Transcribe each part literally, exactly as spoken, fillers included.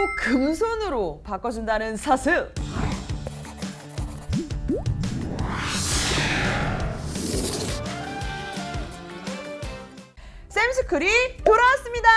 금손으로 바꿔준다는 사실. 샘스쿨이 돌아왔습니다.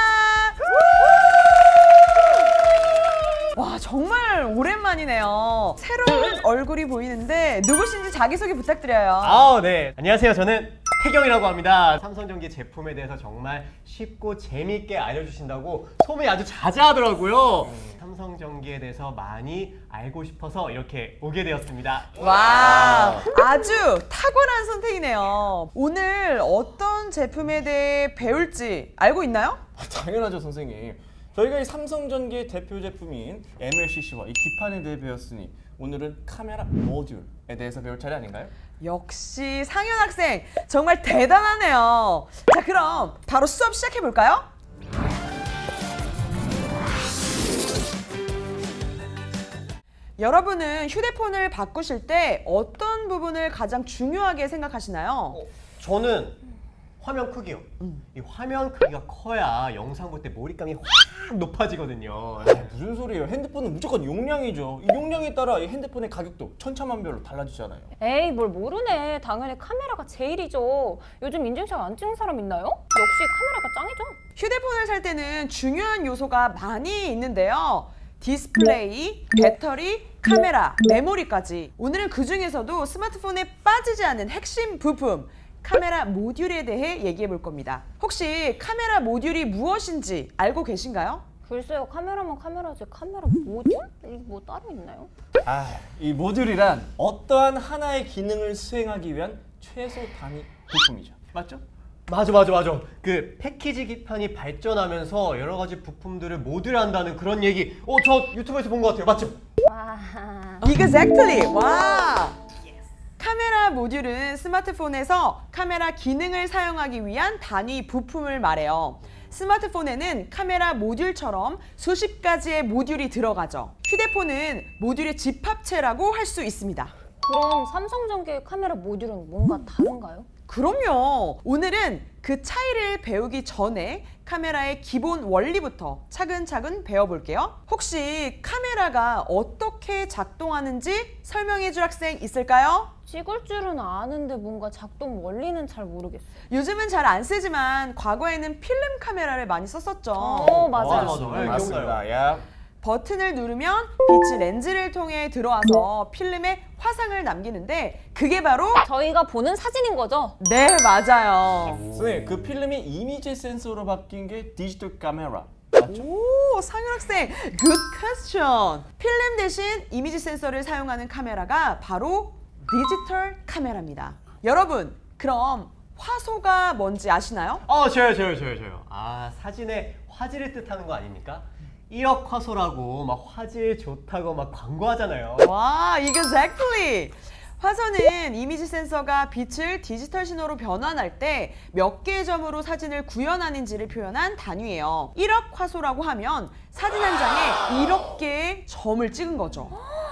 와, 정말 오랜만이네요. 새로운 얼굴이 보이는데 누구신지 자기소개 부탁드려요. 아, 네. 안녕하세요. 저는 태경이라고 합니다. 삼성전기 제품에 대해서 정말 쉽고 재미있게 알려주신다고 소문이 아주 자자하더라고요. 삼성전기에 대해서 많이 알고 싶어서 이렇게 오게 되었습니다. 와, 아주 탁월한 선택이네요. 오늘 어떤 제품에 대해 배울지 알고 있나요? 당연하죠, 선생님. 저희가 이 삼성전기의 대표 제품인 엠엘씨씨와 이 기판에 대해 배웠으니 오늘은 카메라 모듈에 대해서 배울 차례 아닌가요? 역시 상현 학생 정말 대단하네요. 자, 그럼 바로 수업 시작해 볼까요? 여러분은 휴대폰을 바꾸실 때 어떤 부분을 가장 중요하게 생각하시나요? 어, 저는 화면 크기요. 음. 이 화면 크기가 커야 영상 볼 때 몰입감이 확 높아지거든요. 무슨 소리예요? 핸드폰은 무조건 용량이죠. 이 용량에 따라 이 핸드폰의 가격도 천차만별로 달라지잖아요. 에이, 뭘 모르네. 당연히 카메라가 제일이죠. 요즘 인증샷 안 찍는 사람 있나요? 역시 카메라가 짱이죠. 휴대폰을 살 때는 중요한 요소가 많이 있는데요. 디스플레이, 배터리, 카메라, 메모리까지. 오늘은 그 중에서도 스마트폰에 빠지지 않는 핵심 부품, 카메라 모듈에 대해 얘기해 볼 겁니다. 혹시 카메라 모듈이 무엇인지 알고 계신가요? 글쎄요, 카메라만 카메라지 카메라 모듈? 이게 뭐 따로 있나요? 아, 이 모듈이란 어떠한 하나의 기능을 수행하기 위한 최소 단위 부품이죠. 맞죠? 맞아, 맞아, 맞아. 그 패키지 기판이 발전하면서 여러 가지 부품들을 모듈한다는 그런 얘기. 어, 저 유튜브에서 본 것 같아요. 맞죠? 와. Exactly! 와! 카메라 모듈은 스마트폰에서 카메라 기능을 사용하기 위한 단위 부품을 말해요. 스마트폰에는 카메라 모듈처럼 수십 가지의 모듈이 들어가죠. 휴대폰은 모듈의 집합체라고 할 수 있습니다. 그럼 삼성전기의 카메라 모듈은 뭔가 다른가요? 그럼요. 오늘은 그 차이를 배우기 전에 카메라의 기본 원리부터 차근차근 배워볼게요. 혹시 카메라가 어떻게 작동하는지 설명해 줄 학생 있을까요? 찍을 줄은 아는데 뭔가 작동 원리는 잘 모르겠어요. 요즘은 잘 안 쓰지만 과거에는 필름 카메라를 많이 썼었죠. 어, 맞아요. 맞아, 맞아. 네, 맞습니다. 야. 버튼을 누르면 빛이 렌즈를 통해 들어와서 필름에 화상을 남기는데 그게 바로 저희가 보는 사진인 거죠? 네, 맞아요. 선생님, 그 필름이 이미지 센서로 바뀐 게 디지털 카메라. 맞죠? 오, 상윤 학생, good question. 필름 대신 이미지 센서를 사용하는 카메라가 바로 디지털 카메라입니다. 여러분, 그럼 화소가 뭔지 아시나요? 어, 저요, 저요, 저요, 저요. 아, 사진의 화질을 뜻하는 거 아닙니까? 일억 화소라고 막 화질 좋다고 막 광고하잖아요. 와, exactly. 화소는 이미지 센서가 빛을 디지털 신호로 변환할 때 몇 개의 점으로 사진을 구현하는지를 표현한 단위예요. 일억 화소라고 하면 사진 한 장에 일억 개의 점을 찍은 거죠.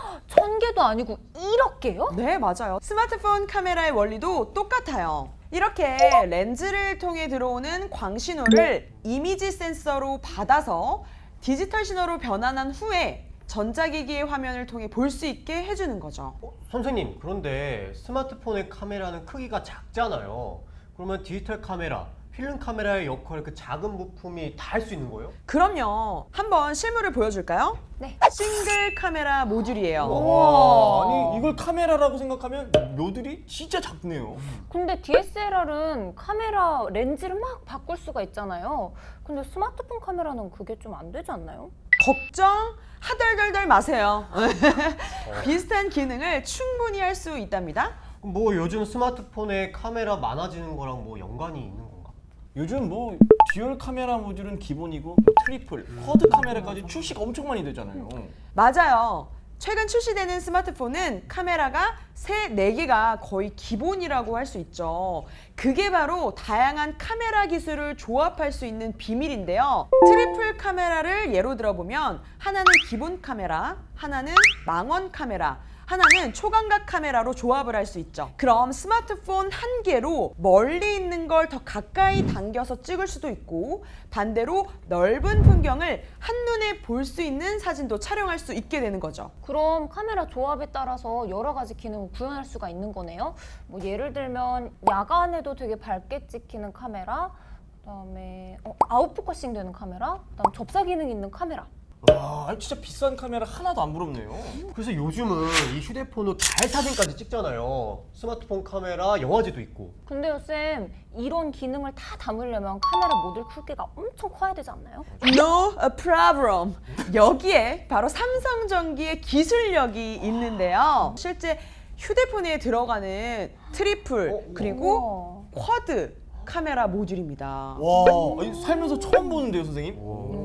천 개도 아니고 일억 개요? 네, 맞아요. 스마트폰 카메라의 원리도 똑같아요. 이렇게 렌즈를 통해 들어오는 광신호를 이미지 센서로 받아서 디지털 신호로 변환한 후에 전자기기의 화면을 통해 볼 수 있게 해주는 거죠. 어, 선생님, 그런데 스마트폰의 카메라는 크기가 작잖아요. 그러면 디지털 카메라, 필름 카메라의 역할, 그 작은 부품이 다 할 수 있는 거예요? 그럼요. 한번 실물을 보여줄까요? 네. 싱글 카메라 모듈이에요. 와, 아니 이걸 카메라라고 생각하면 모듈이 진짜 작네요. 근데 디에스엘알은 카메라 렌즈를 막 바꿀 수가 있잖아요. 근데 스마트폰 카메라는 그게 좀 안 되지 않나요? 걱정 하덜덜덜 마세요. 비슷한 기능을 충분히 할 수 있답니다. 그럼 뭐 요즘 스마트폰에 카메라 많아지는 거랑 뭐 연관이 있는 건가? 요즘 뭐 듀얼 카메라 모듈은 기본이고 트리플, 쿼드 카메라까지 출시가 엄청 많이 되잖아요. 맞아요. 최근 출시되는 스마트폰은 카메라가 세, 네 개가 거의 기본이라고 할 수 있죠. 그게 바로 다양한 카메라 기술을 조합할 수 있는 비밀인데요. 트리플 카메라를 예로 들어보면 하나는 기본 카메라, 하나는 망원 카메라, 하나는 초광각 카메라로 조합을 할 수 있죠. 그럼 스마트폰 한 개로 멀리 있는 걸 더 가까이 당겨서 찍을 수도 있고 반대로 넓은 풍경을 한눈에 볼 수 있는 사진도 촬영할 수 있게 되는 거죠. 그럼 카메라 조합에 따라서 여러 가지 기능을 구현할 수가 있는 거네요. 뭐 예를 들면 야간에도 되게 밝게 찍히는 카메라, 그다음에 어, 아웃포커싱 되는 카메라, 그다음 접사 기능 있는 카메라. 와, 진짜 비싼 카메라 하나도 안 부럽네요. 그래서 요즘은 이 휴대폰으로 달 사진까지 찍잖아요. 스마트폰 카메라, 영화제도 있고. 근데요 쌤, 이런 기능을 다 담으려면 카메라 모듈 크기가 엄청 커야 되지 않나요? No problem. 여기에 바로 삼성전기의 기술력이 있는데요. 실제 휴대폰에 들어가는 트리플 그리고 우와. 쿼드 카메라 모듈입니다. 와, 아니, 살면서 처음 보는데요, 선생님?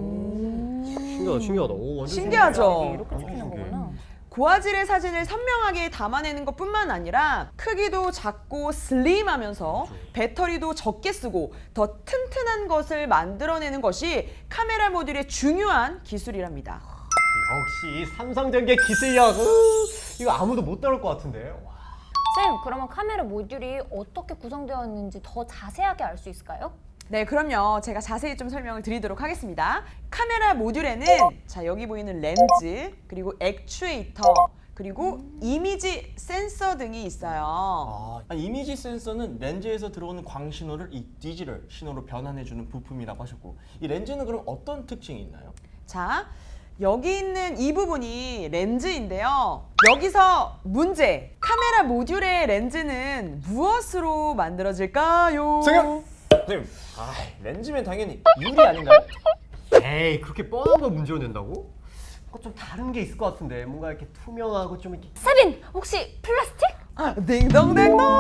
신기하다, 신기하다. 오, 완전 신기하죠? 이게 이렇게 찍히는 거구나. 고화질의 사진을 선명하게 담아내는 것뿐만 아니라 크기도 작고 슬림하면서 배터리도 적게 쓰고 더 튼튼한 것을 만들어내는 것이 카메라 모듈의 중요한 기술이랍니다. 역시 삼성전기의 기술력. 으, 이거 아무도 못 다룰 것 같은데. 와. 쌤, 그러면 카메라 모듈이 어떻게 구성되어 있는지 더 자세하게 알 수 있을까요? 네, 그럼요. 제가 자세히 좀 설명을 드리도록 하겠습니다. 카메라 모듈에는 자 여기 보이는 렌즈, 그리고 액추에이터, 그리고 이미지 센서 등이 있어요. 아, 아니, 이미지 센서는 렌즈에서 들어오는 광 신호를 이 디지털 신호로 변환해주는 부품이라고 하셨고, 이 렌즈는 그럼 어떤 특징이 있나요? 자, 여기 있는 이 부분이 렌즈인데요. 여기서 문제! 카메라 모듈의 렌즈는 무엇으로 만들어질까요? 선생님! 선생님, 아, 렌즈면 당연히 유리 아닌가요? 에이, 그렇게 뻔한 걸 문제로 낸다고? 뭔가 좀 다른 게 있을 것 같은데. 뭔가 이렇게 투명하고 좀 이렇게. 세빈, 혹시 플라스틱? 아, 딩동댕동!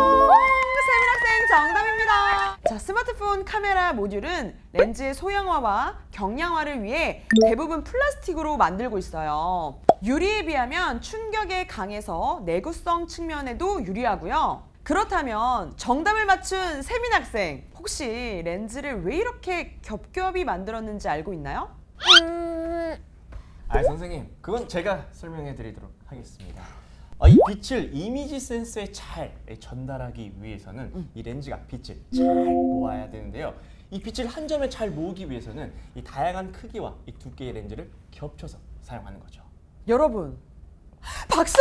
세민 학생 정답입니다. 자, 스마트폰 카메라 모듈은 렌즈의 소형화와 경량화를 위해 대부분 플라스틱으로 만들고 있어요. 유리에 비하면 충격에 강해서 내구성 측면에도 유리하고요. 그렇다면 정답을 맞춘 세민 학생, 혹시 렌즈를 왜 이렇게 겹겹이 만들었는지 알고 있나요? 음... 아, 선생님, 그건 제가 설명해 드리도록 하겠습니다. 아, 이 빛을 이미지 센서에 잘 전달하기 위해서는 이 렌즈가 빛을 잘 모아야 되는데요. 이 빛을 한 점에 잘 모으기 위해서는 이 다양한 크기와 이 두께의 렌즈를 겹쳐서 사용하는 거죠. 여러분, 박수!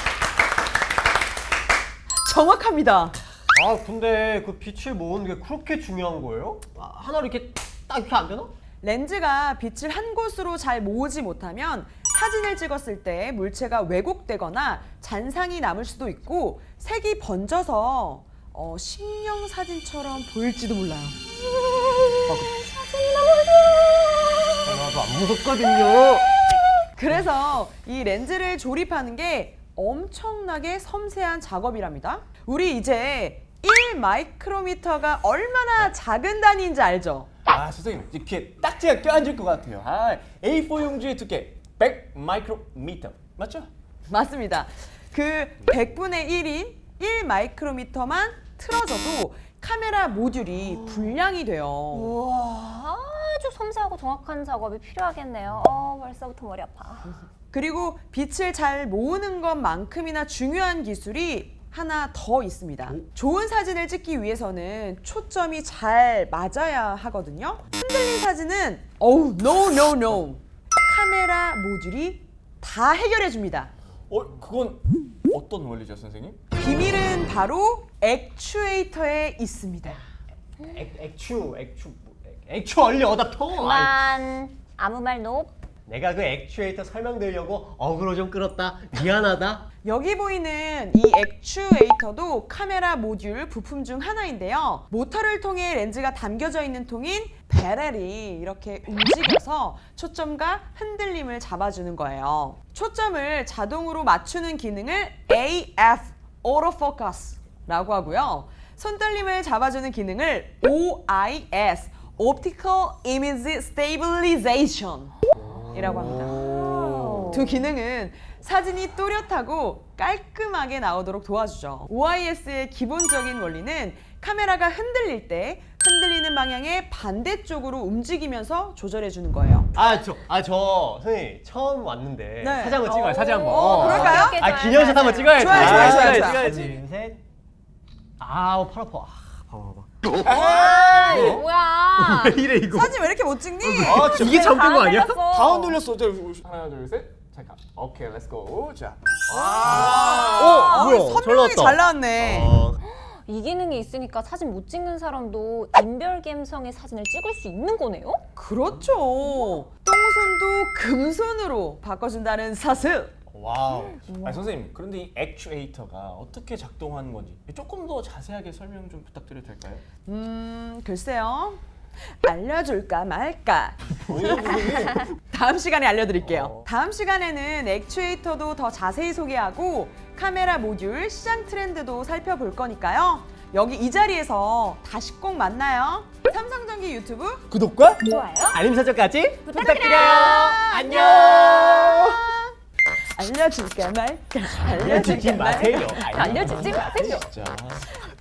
정확합니다. 아, 근데 그 빛을 모으는 게 그렇게 중요한 거예요? 아, 하나로 이렇게 딱 이렇게 안 되나? 렌즈가 빛을 한 곳으로 잘 모으지 못하면 사진을 찍었을 때 물체가 왜곡되거나 잔상이 남을 수도 있고 색이 번져서 어, 식령 사진처럼 보일지도 몰라요. 하나도 안 무섭거든요. 그래서 이 렌즈를 조립하는 게 엄청나게 섬세한 작업이랍니다. 우리 이제 일 마이크로미터가 얼마나 작은 단위인지 알죠? 아, 선생님, 이렇게 딱지가 껴앉을 것 같아요. 아, 에이 사 용지의 두께 백 마이크로미터 맞죠? 맞습니다. 그 백분의 일인 일 마이크로미터만 틀어져도 카메라 모듈이 불량이 돼요. 우와, 아주 섬세하고 정확한 작업이 필요하겠네요. 어, 벌써부터 머리 아파. 그리고 빛을 잘 모으는 것만큼이나 중요한 기술이 하나 더 있습니다. 좋은 사진을 찍기 위해서는 초점이 잘 맞아야 하거든요. 흔들린 사진은 어우, no, no, no. 카메라 모듈이 다 해결해 줍니다. 어, 그건 어떤 원리죠, 선생님? 비밀은 바로 액추에이터에 있습니다. 액, 액추, 액추, 액- 액추 얼리 어답터. 아이, 그만, 아무 말 노. 내가 그 액추에이터 설명드리려고 어그로 좀 끌었다. 미안하다. 여기 보이는 이 액추에이터도 카메라 모듈 부품 중 하나인데요. 모터를 통해 렌즈가 담겨져 있는 통인 베렐이 이렇게 움직여서 초점과 흔들림을 잡아주는 거예요. 초점을 자동으로 맞추는 기능을 에이 에프, Autofocus라고 하고요. 손떨림을 잡아주는 기능을 오 아이 에스, Optical Image Stabilization 이라고 합니다. 두 기능은 사진이 또렷하고 깔끔하게 나오도록 도와주죠. 오 아이 에스의 기본적인 원리는 카메라가 흔들릴 때 흔들리는 방향의 반대쪽으로 움직이면서 조절해 주는 거예요. 아, 저, 아, 저, 선생님, 처음 왔는데. 네. 사진 한번 찍어요, 사진 한번. 어, 그럴까요? 오케이, 아, 좋아요, 기념샷 좋아요, 한번 좋아요. 찍어야지. 좋아요, 좋아요, 아, 좋아요, 찍어야지, 좋아요. 찍어야지. 둘, 셋. 아우, 팔 아파. 아, 봐봐, 봐봐. 에이, 뭐야? 왜 이래, 이거? 사진 왜 이렇게 못 찍니? 아, 진짜 이게 잠깐 거 아니야? 다 흔들렸어. 저, 하나, 둘, 셋. 잠깐. 오케이, 렛츠고. 자. 아, 뭐야, 선명하게 잘 나왔다. 잘 나왔네. 어, 이 기능이 있으니까 사진 못 찍는 사람도 인별 감성의 사진을 찍을 수 있는 거네요? 그렇죠. 똥손도 금손으로 바꿔준다는 사슬. 와우. 아니, 선생님, 그런데 이 액추에이터가 어떻게 작동하는 건지 조금 더 자세하게 설명 좀 부탁드려도 될까요? 음, 글쎄요. 알려줄까 말까. 뭐예요, 선생님? 다음 시간에 알려드릴게요. 어. 다음 시간에는 액추에이터도 더 자세히 소개하고 카메라 모듈 시장 트렌드도 살펴볼 거니까요. 여기 이 자리에서 다시 꼭 만나요. 삼성전기 유튜브 구독과 좋아요. 알림 설정까지 부탁드려요. 안녕. 알려줄까 말까. 알려주지 알려줄까 말까. 마세요. 알려주지 마세요. 진짜.